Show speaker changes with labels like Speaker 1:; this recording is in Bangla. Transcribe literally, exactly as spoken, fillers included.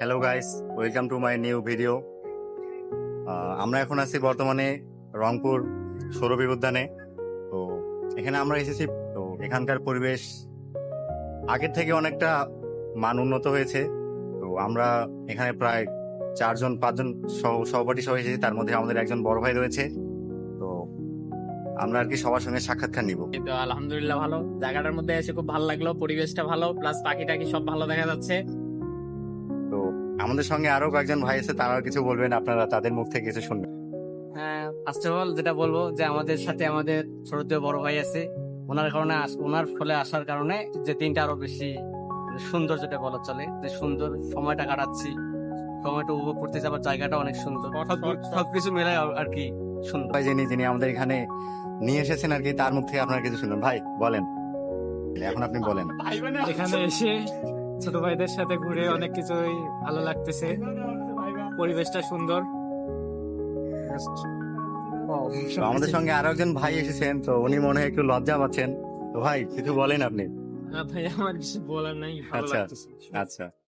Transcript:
Speaker 1: Hello guys, welcome to my new video. আমরা এখন আছি বর্তমানে রংপুর সৌরবীর উদ্যানে। তো এখানে আমরা এসেছি। তো এখানকার পরিবেশ আগের থেকে অনেকটা মান উন্নত হয়েছে। তো আমরা এখানে প্রায় চারজন পাঁচজন সহ- সহপাঠী সহ এসেছি, তার মধ্যে আমাদের একজন বড় ভাই রয়েছে। তো আমরা আর কি সবার সঙ্গে সাক্ষাৎকার নিব।
Speaker 2: এই তো আলহামদুলিল্লাহ ভালো, জায়গাটার মধ্যে এসে খুব ভালো লাগলো, পরিবেশটা ভালো, প্লাস পাখি টাকি সব ভালো দেখা যাচ্ছে।
Speaker 1: তো আমাদের সঙ্গে আরো কয়েকজন ভাই আছে, তারাও কিছু বলবেন, আপনারা তাদের মুখ থেকে কিছু শুনবেন।
Speaker 2: হ্যাঁ, ফার্স্ট অফ অল যেটা বলবো যে আমাদের সাথে আমাদের ছোট বড় ভাই আছে, ওনার কারণে আস- ওনার ফলে আসার কারণে যে দিনটা আরো বেশি সুন্দর, যেটা বলা চলে যে সুন্দর সময়টা কাটাচ্ছি, সময়টা উপভোগ করতে যাবার জায়গাটা অনেক সুন্দর, সব- সবকিছু মিলাই আর আর কি সুন্দর।
Speaker 1: ভাই যিনি যিনি আমাদের এখানে নিয়ে এসেছেন আর কি, তার মুখ থেকে আপনারা কিছু শুনবেন। ভাই বলেন, এখন আপনি বলেন।
Speaker 3: এখানে এসে ছোট ভাইদের সাথে ঘুরে অনেক কিছুই ভালো লাগতেছে, পরিবেশটা সুন্দর।
Speaker 1: তো আমাদের সঙ্গে আরো একজন ভাই এসেছেন, তো উনি মনে হয় একটু লজ্জা পাচ্ছেন। তো ভাই কিছু বলেন আপনি।
Speaker 3: না ভাই, আমার কিছু বলার নাই, ভালো
Speaker 1: আচ্ছা
Speaker 3: লাগতেছে।
Speaker 1: আচ্ছা